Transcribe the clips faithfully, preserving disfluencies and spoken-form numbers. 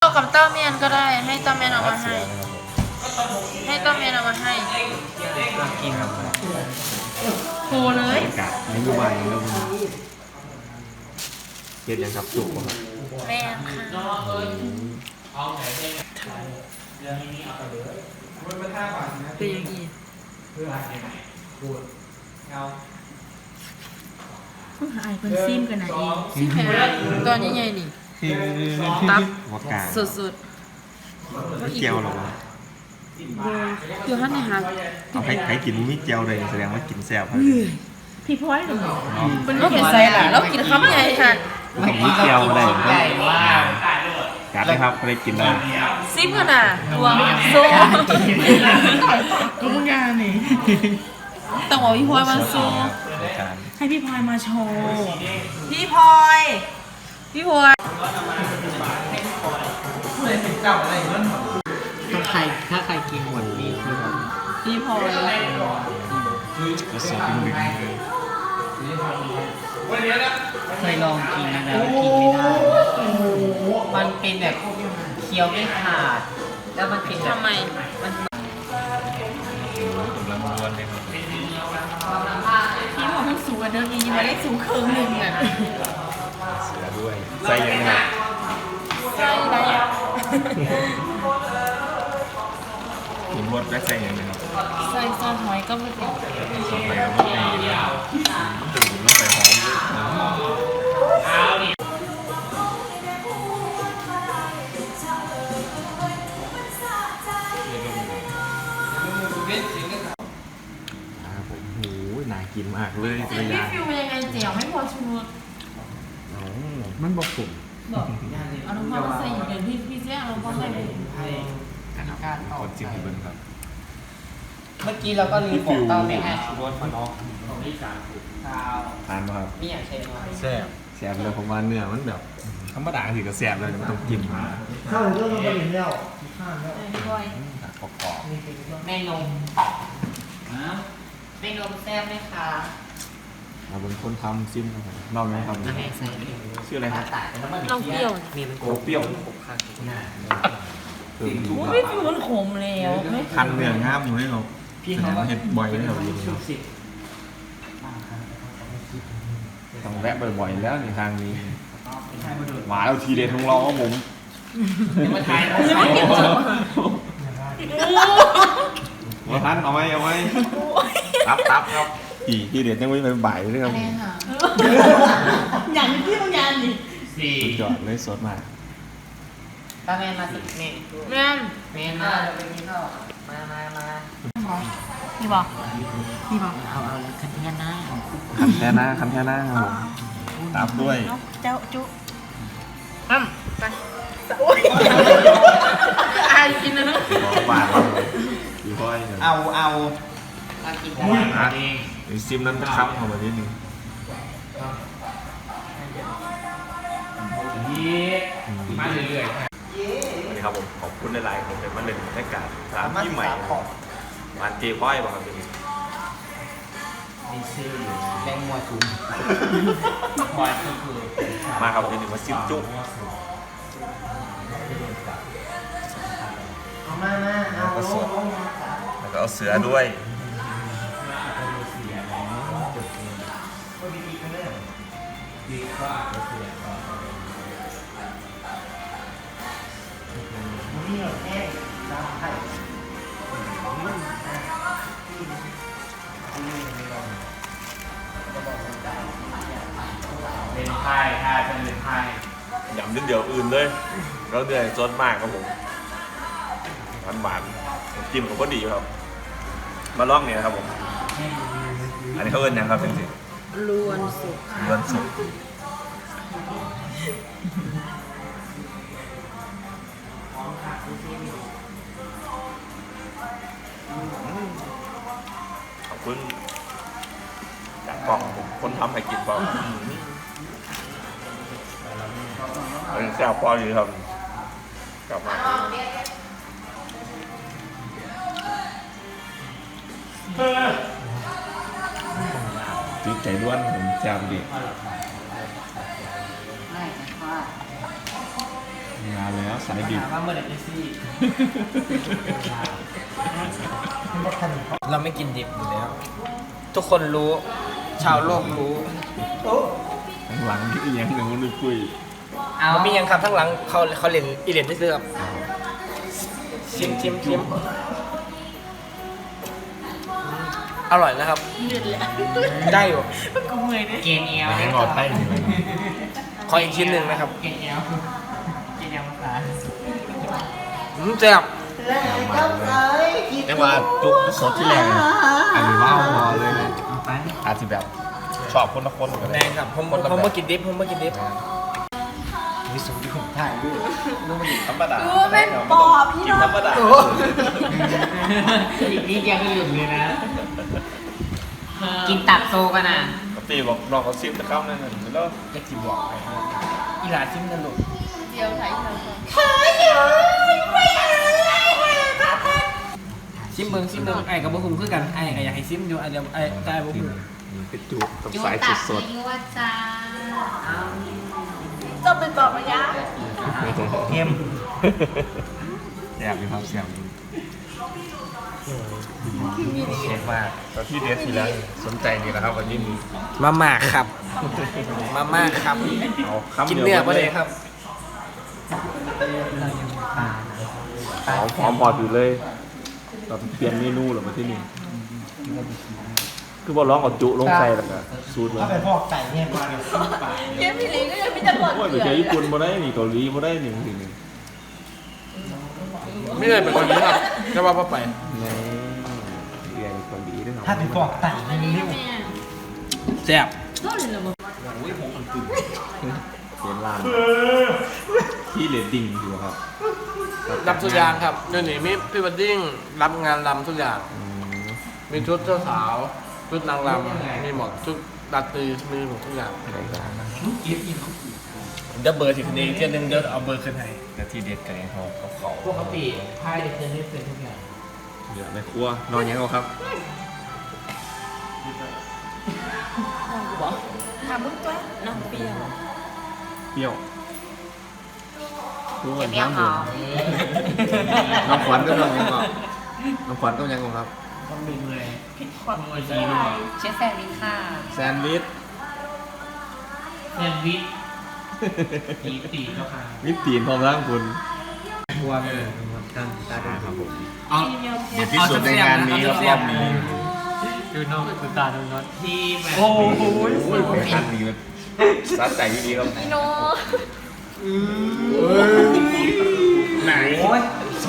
บอกกับเต้าเมียนก็ได้ให้เต้าเมียนเอามาให้ให้เต้าเมียนเอามาให้กินครับโทรเลยกะยังดูใบยังดูเก็บยังครับสุกครับแม่ค่ะเป็นยังไงเพื่ออะไรพูดเอาเพิ่งหายเป็นซิมกันไหนเองซิมแพ้ตอนนี้ไงนี่ตับสุดๆไม่เจียวหรอวะคือฮันนี่ฮะเอาให้ให้กินมิเจียวเลยแสดงว่ากินแซ่บครับพี่พลอยหรอมันก็เป็นไซล่ะแล้วกินคำใหญ่ค่ะผมมิเจียวอะไรกัดนะครับไม่ได้กินเลยซิมกันอ่ะรวมโซ่ก็มึงงานนี่ต้องบอกพี่พลอยมาโซ่ให้พี่พลอยมาโชว์พี่พลอยพี่พลอยถ้าใครถ้าใครกินหมดนี่คือแบบพี่พลอยก็สอบเป็นหนึ่งเคยลองกินนะแล้วกินไม่ได้มันเป็นแบบเคี้ยวไม่ขาดแล้วมันเป็นทำไมมันกำลังม้วนเลยครับพี่พลอยมันสูงกันเดิมยังยังไม่ได้สูงครึ่งหนึ่งอ่ะเสือด้วยใส่ยังไงใส่อะไรกินรสและใส่ยังไงครับใส่ซอสหอยก็ไม่เป็นซอสหอยก็ไม่เป็นตื่นแล้วไปหอมโอ้โหน่ากินมากเลยพี่ฟิวเป็นยังไงเจียวไม่พอชูรสมันบอกผมบอกเอาน้ำมันมาใส่อยู่เดี๋ยวพี่พี่เจ๊เอาน้ำมันใส่เลยนะครับคนจิ้มให้เบิ้งครับเมื่อกี้เราก็ลืมบอกเต้าไม่ให้ชูรสมาเนาะทานไหมครับนี่อยากใช้แซ่บแซ่บเลยผมว่าเนื้อมันแบบธรรมดาสิก็แซ่บเลยมันต้องกินมาข้าวเรื่องมันเป็นแล้วข้าวแล้วกรอบกรอบแม่นมแม่นมแซ่บไหมคะเราเป็นคนทำซิมครับลองไหมครับชื่ออะไรครับน้องเปรี้ยวมีมันโกเปรี้ยวพี่ฟิวมันขมแล้วคันเนื้องามอยู่ให้เราพี่เขาเห็ดบ่อยให้เราอยู่ต้องแวะบ่อยๆแล้วในทางนี้หมาเราทีเด็ดของเราครับผมมาถ่ายมาทันเอาไหมเอาไหมตับตับครับทีทีเด็ดยังไม่ไปบ่ายเลยครับอย่างที่ต้องยานดิสี่จอดเลยสดมากป้าแม่มาสิแม่แม่แม่มาเราไปกินข้าวมามามานี่บอกนี่บอกเอาเอาคันแท่หน้าคันแท่หน้าคันแท่หน้าครับผมตับด้วยเจ้าจุ๊อืมไปโอ้ยอายกินนะบาทอยู่ค่อยเอาเอามุ้ยอ่ะซิมนั้นจะค้ำเข้ามานิดนึงมาเรื่อยๆวันนี้ครับผมขอบคุณในไลน์ผมเป็นมาเล่นบรรยากาศสถานที่ใหม่ร้านเจ๊ค่อยบอกครับทีนี้นี่ชื่อแรงมัวจุ้มควายก็คือมาครับทีนี้มาซิมจุ๊บเอามามาเอาแล้วก็เอาเสือด้วยเป็นไพ่ค่ะเป็นไพ่ยำนิดเดียวอื่นเลยแล้วเนื้อซดมากครับผมหวานหวานจิ้มผมก็ดีครับมาลองเนี่ยครับผมอันนี้เขาเอิ้นยังครับจริงๆล้วนสุกล้วนสุกขอบคุณจากกล่องคนทำให้กินเปล่าเป็นแซ่บพอดีครับกลับมาติดใจล้วนผมจำดีไม่ค่ะงมาแล้วสายดิบถามว่าเมื่อไหร่จะซี่เราไม่กินดิบอยู่แล้ว ทุกคนรู้ ชาวโลกรู้หลังที่ยังหนึ่งนึกคุยเอามียังครับทั้งหลังเขาเขาเล่นอีเล่นได้เสื้อครับชิมชิมชิมอร่อยนะครับเลือดแล้วได้อยู่กูเมื่อยเนี่ยเกณฑ์เอลหลังงอดไส้อยู่เลยขออีกชิ้นหนึ่งนะครับเกณฑ์เอลเกณฑ์เอลภาษาอืมแซ่บแต่ว่าจุกสดที่แรงอันนี้ว้าวพอเลยนะเอาไปอาจจะแบบชอบคนละคนกันแดงครับผมผมผมมากินดิบผมมากินดิบมีสูตรที่ผมถ่ายด้วยธรรมดาดูเป็นปอบพี่น้องธรรมดาอีกนิดเดียวก็หยุดเลยนะ กินตับโซกันอ่ะปกติบอกน้องเขาซิมจะเข้านั่นน่ะแล้วจะกินบอกไปอีหลาชิมนั่นลูกเดี๋ยวถ่ายเธอก่อนชิมเบิ้งชิมเบิ้งไอ้กับบุ้มคือกันไอ้ก็อยากให้ชิมอยู่ไอ้เดี๋ยวไอ้ได้บุ้มเป็นจุกกับยูสายตัดสดยูว่าจ้าจะเป็นปอบระยะๆเข้มแอบมีความเสี่ยงเช็คมากตอนที่เดททีแล้วสนใจดีนะครับวันนี้มีมาม่าครับ มาม่าครับเอาคำกินเดียวเนื้อปะเลยครับหอมหอมพอถือเลยเราเปลี่ยนเมนูหรือมาที่นี่คือบอกร้องกับจุลงใส่แล้วก็สูตรเลยเย้พี่ลิงก็ยังมีแต่หมดโอ้ยไปเกลืเจออญี่ปุ่นมาได้นี่เกาหลีมาได้หนึ่งทีหนึ่งไม่เลยเป็นคนนี้ครับจะว่าไปในเรียนเกาหลีด้วยครับถ้าถึงบอกแต่งไม่มีริ้วแซ่บต้นเลยเหรอเรียนลานที่เรดดิ้งอยู่ครับรับทุกอย่างครับเดี๋ยวนี้มีพี่บัดดิ้งรับงานรำทุกอย่างอืมมีชุดเจ้าสาว ชุดนางรำมีหมดชุดดัดตีมีหมดทุกอย่างได้ครับเดี๋ยวเบอร์ถึงนี้เที่ยนึงเดี๋ยวเอาเบอร์ขึ้นให้แต่ที่เด็ดกันเขาเขาเขาปกติพายเด็กเกินได้เป็นทุกอย่างเดี๋ยวในครัวนอนยังเอาครับบอกถามมึงตัวน้องเปรี้ยวเปรี้ยวรู้เดี๋กัยนวเมียวน้ำหหอมูมน้องขวัญก็นอนยังก่อนน้องขวัญก็ยังก่อนครับต้องดึงเลยผิดความโอ้ยใจดีมากเชฟแซนวิชค่ะแซนด์วิชแซนด์วิชตีตีเจ้าค่ะวิปตีนพร้อมร่างคุณบัวเลยกันตาดูครับผมเอาเด็ดที่สุดในงานนี้ครับรอบนี้ดูน้องดูตาดูน็อตที่แบบโอ้โหเป็นคันนี้มันซัดใจดีครับพี่โนไหนยอด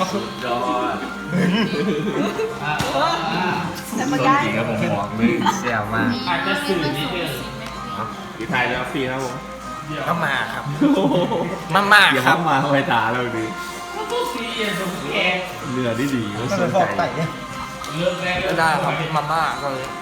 แต่สมาดย้ายจริงครับผมบอกเลยเสียวมากอาจจะสื่อนิดเดียวพี่ไทยแล้วฟรีครับผมมาม่าครับ มาม่าเดี๋ยวครับมาไว้ตาเราดีซีเอ็นตรงแกเรือดีดีก็สนใจเริ่มแรกไม่ได้ครับมาม่าก็เลยเ